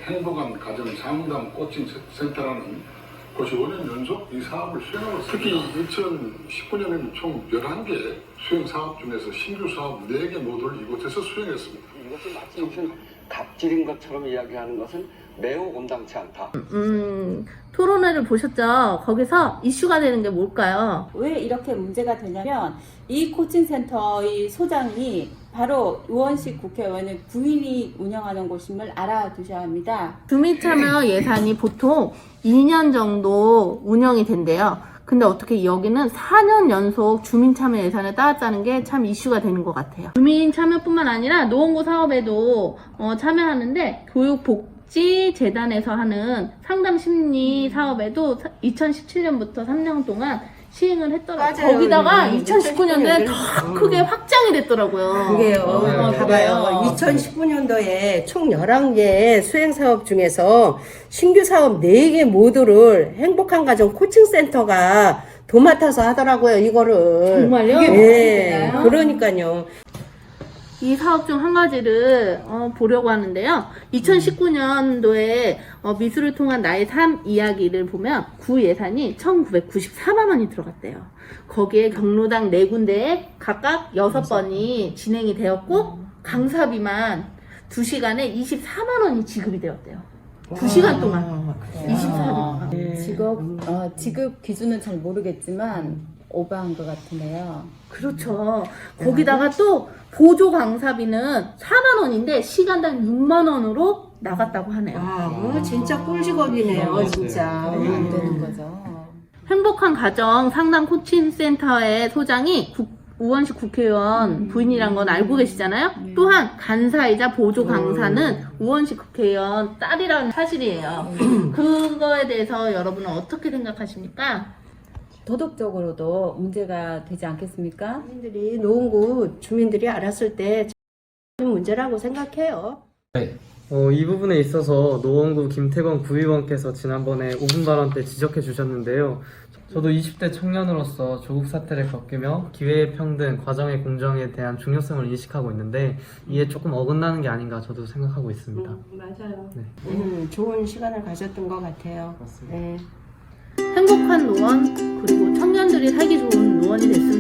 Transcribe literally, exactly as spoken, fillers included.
행복한 가정 상담 코칭 센터라는 곳이 오 년 연속 이 사업을 수행하고 있습니다. 특히 이천십구 년에는 총 열한 개 수행 사업 중에서 신규 사업 네 개 모두를 이곳에서 수행했습니다. 이것을 마치 무슨 갑질인 것처럼 이야기하는 것은 매우 온당치 않다. 음, 토론회를 보셨죠? 거기서 이슈가 되는 게 뭘까요? 왜 이렇게 문제가 되냐면 이 코칭센터의 소장이 바로 우원식 국회의원의 부인이 운영하는 곳임을 알아두셔야 합니다. 주민참여 예산이 보통 이 년 정도 운영이 된대요. 근데 어떻게 여기는 사 년 연속 주민참여 예산을 따왔다는 게 참 이슈가 되는 것 같아요. 주민참여뿐만 아니라 노원구 사업에도 어, 참여하는데 교육복지재단에서 하는 상담심리 사업에도 이천십칠 년부터 삼 년 동안 시행을 했더라고요. 맞아요. 거기다가 음, 이천십구 년도에 더 크게 확장이 됐더라고요. 그게요. 어, 봐봐요. 이천십구 년도에 총 열한 개의 수행사업 중에서 신규 사업 네 개 모두를 행복한 가정 코칭센터가 도맡아서 하더라고요, 이거를. 정말요? 예. 그러니까요. 이 사업 중 한 가지를 어, 보려고 하는데요. 이천십구 년도에 어, 미술을 통한 나의 삶 이야기를 보면 구 예산이 천구백구십사만 원이 들어갔대요. 거기에 경로당 네 군데에 각각 여섯 번이 진행이 되었고 강사비만 두 시간에 이십사만 원이 지급이 되었대요. 두 시간 동안. 이십사만 원. 직업, 어, 지급 기준은 잘 모르겠지만 오버한 것 같은데요. 그렇죠. 거기다가 또 보조 강사비는 사만 원인데 시간당 육만 원으로 나갔다고 하네요. 아, 뭐 진짜 꿀직업이네요, 진짜. 안 되는 거죠. 행복한 가정 상담 코칭 센터의 소장이 국, 우원식 국회의원 부인이란 건 알고 계시잖아요. 또한 간사이자 보조 강사는 우원식 국회의원 딸이라는 사실이에요. 그거에 대해서 여러분은 어떻게 생각하십니까? 도덕적으로도 문제가 되지 않겠습니까? 주민들이, 노원구 주민들이 알았을 때 문제라고 생각해요. 네. 어, 이 부분에 있어서 노원구 김태건 구의원께서 지난번에 오 분 발언 때 지적해 주셨는데요. 저도 이십 대 청년으로서 조국 사태를 겪으며 기회의 평등, 과정의 공정에 대한 중요성을 인식하고 있는데 이에 조금 어긋나는 게 아닌가 저도 생각하고 있습니다. 음, 맞아요. 네. 음, 좋은 시간을 가졌던 것 같아요. 맞습니다. 네. 행복한 노원 그리고 청년들이 살기 좋은 노원이 됐으면